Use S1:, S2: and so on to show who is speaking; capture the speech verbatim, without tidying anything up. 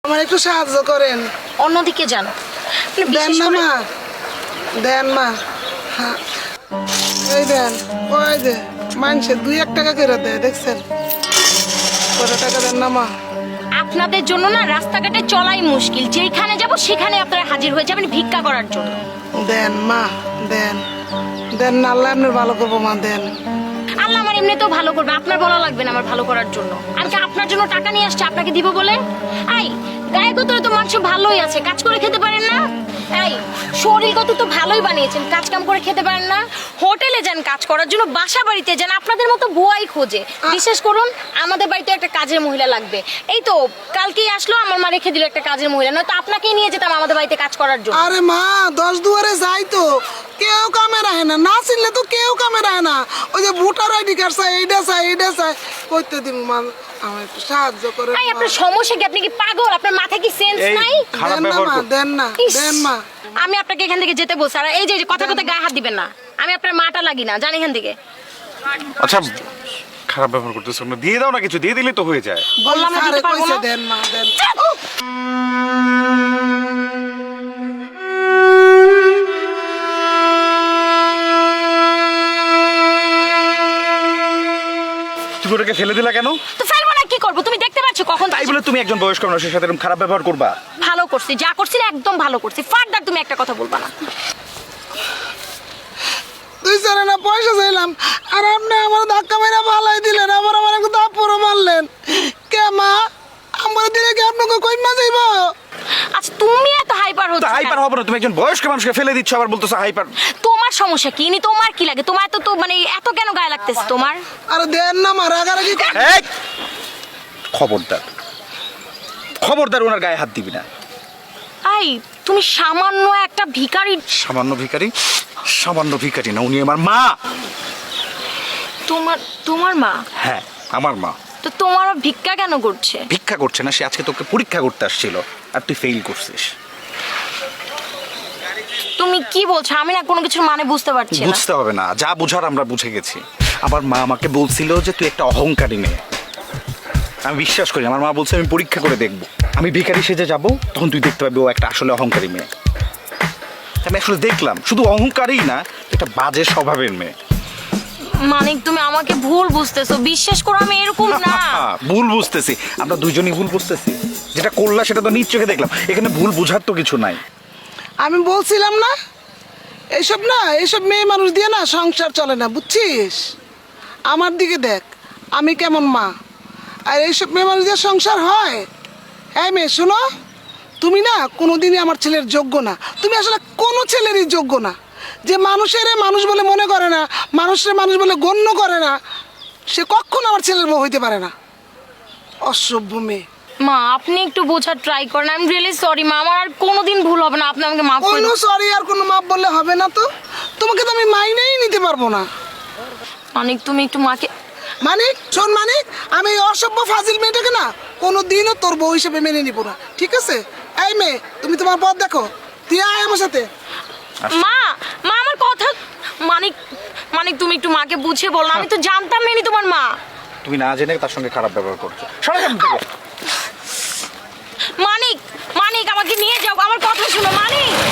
S1: আমার একটু সাহায্য করেন।
S2: অন্যদিকে যান।
S1: দেন না মা, দেন মা। হ্যাঁ এই দেন, ওই যে মানুষে দুই এক টাকা করে দেয়, দেখছেন? কত টাকা দেন না মা।
S2: আপনাদের জন্য না রাস্তাঘাটে চলাই মুশকিল, যেখানে যাব সেখানে আপনারা হাজির হয়ে যাবেন ভিক্ষা করার জন্য।
S1: দেন মা, দেন দেন না, আল্লাহ আপনার ভালো করবো মা, দেন।
S2: আল্লাহ আমার এমনিতেও ভালো করবে, আপনার বলা লাগবে না আমার ভালো করার জন্য। আমি কি আপনার জন্য টাকা নিয়ে আসছি আপনাকে দিব বলে? আই গায়ে গোতরে তো মানুষ ভালোই আছে, কাজ করে খেতে পারেন না? এই শরীর কত তো ভালোই বানিয়েছেন, কাজ কাম করে খেতে পারেন না? হোটেলে যান কাজ করার জন্য, বাসা বাড়িতে যান, আপনাদের মতো বুয়াই খোঁজে। বিশেষ করুন আমাদের বাড়িতে একটা কাজের মহিলা লাগবে। এই তো কালকেই আসলো, আমার মা রেখে দিল একটা কাজের মহিলা, নয়তো আপনাকেই নিয়ে যেতাম আমাদের বাড়িতে কাজ করার জন্য।
S1: আরে মা, দশ দুয়ারে যাই তো কেউ কামে রাখে না, না চিনলে তো কেউ কামে রাখে না। ওই যে ভোটার আইডি কার্ড চাই, এইটা চাই এইটা চাই, করতে দিন মা, আমার একটু সাহায্য করে।
S2: এই আপনার সমস্যা কি? আপনি কি পাগল? আপনার মাথায় কি সেন্স নাই?
S1: দেন না মা, দেন না, দেন মা।
S2: আমি আপনাকে এখান থেকে যেতে বলছি, আর এই যে কথা কথা গায়ে হাত দিবেন না। আমি আপনার মাটা লাগি না, জান এখান থেকে।
S3: আচ্ছা খারাপ ব্যবহার করতেছ না, দিয়ে দাও না, কিছু দিয়ে দিলে তো হয়ে যায়।
S2: বললাম না দিতে পারবো না।
S1: দেন মা, দেন।
S3: তুমি ওটাকে ফেলে দিলা কেন?
S2: তো ফেলবো না, কি করবো? তুমি দেখতে পাচ্ছ কখন?
S3: তাই বলে তুমি একজন বয়স্ক মানুষের সাথে এরকম খারাপ ব্যবহার করবা?
S2: ভালো করছি, যা করছি না একদম ভালো করছি। ফার্দার তুমি একটা কথা বলবা না।
S1: দুই চারে না পয়সা চাইলাম, আর আপনি আমার ধাক্কা মেরে পালাই দিলেন, আবার আমার একটু দাপড়ও মারলেন। কে মা, আমার দিলে কি আপনাকে কই মা যাইব?
S2: আচ্ছা তুমি এত হাইপার হচ্ছ।
S3: হাইপার হবে না, তুমি একজন বয়স্ক মানুষকে ফেলে দিচ্ছ আবার বলতেছো হাইপার।
S2: তোমার সমস্যা কি? নি তোমার কি লাগে? তোমার এত তো মানে এত কেন গায়ে লাগতেছে তোমার?
S1: আরে দেন না মা, রাগারাগি কর-
S3: এই! খবরদার খবরদার ওনার গায়ে হাত দিবি না।
S2: আই তুমি সামান্য একটা ভিখারি।
S3: সামান্য ভিখারি? সামান্য ভিখারি না, উনি আমার মা।
S2: তোমার তোমার মা?
S3: হ্যাঁ আমার মা।
S2: তো তোমার ভিক্ষা কেন করছে?
S3: ভিক্ষা করছে না, সে আজকে তোকে পরীক্ষা করতে আসছিল আর তুই ফেল করছিস।
S2: তুমি কি বলছো? আমি না কোনো কিছুর মানে বুঝতে পারছি না।
S3: বুঝতে হবে না, যা বুঝার আমরা বুঝে গেছি। আমার মা আমাকে বলছিল যে তুই একটা অহংকারী মেয়ে। আমি বিশ্বাস করি, আমার মা বলছে আমি পরীক্ষা করে দেখব, আমি ভিখারি সেজে যাব, তখন তুই দেখতে পাবি ও একটা আসলে অহংকারী মেয়ে। আমি আসলে দেখলাম শুধু অহংকারী না, একটা বাজে স্বভাবের মেয়ে।
S2: মানিক তুমি আমাকে ভুল বুঝতেছো, বিশ্বাস করো আমি এরকম না।
S3: ভুল বুঝতেছি, আমরা দুইজনই ভুল বুঝতেছি। যেটা করলা সেটা তো নিজ চোখে দেখলাম, এখানে ভুল বুঝার তো কিছু নাই।
S1: আমি বলছিলাম না, এইসব না, এইসব মেয়ে মানুষ দিয়ে না সংসার চলে না, বুঝছিস? আমার দিকে দেখ, আমি কেমন মা, আর এইসব মেয়ে মানুষ দিয়ে সংসার হয়? হ্যাঁ মেয়ে শোনো, তুমি না কোনোদিনই আমার ছেলের যোগ্য না। তুমি আসলে কোনো ছেলেরই যোগ্য না। যে মানুষের মানুষ বলে মনে করে না, মানুষের মানুষ বলে গণ্য করে না, সে কখনো আমার ছেলের বউ হইতে পারে না। অসভ্য মেয়ে।
S2: মা আপনি একটু বোঝার ট্রাই করেন। আই এম রিয়েলি সরি মা, আমার আর কোনোদিন ভুল হবে না, আপনি আমাকে মাফ করে
S1: কোনো
S2: দিন।
S1: সরি আর কোনো মাপ বললে হবে না তো, তোমাকে তো আমি মাইনেই নিতে পারবো না।
S2: মানিক তুমি একটু মাকে।
S1: মানিক শোন মানিক, আমি এই অসভ্য ফাজিল মেয়েটাকে না কোনো দিনও তোর বউ হিসেবে মেনে নিব না, ঠিক আছে? এই মেয়ে, তুমি তোমার পথ দেখো, তুই আয় আমার সাথে।
S2: মা মা আমার কথা। মানিক মানিক তুমি একটু মাকে বুঝিয়ে বলো, আমি তো জানতাম না ইনি তোমার মা।
S3: তুমি না জেনে তার সঙ্গে খারাপ ব্যবহার করছো। সরে যান থেকে।
S2: মানিক মানিক আমাকে নিয়ে যাও, আমার কথা শুনো মানিক।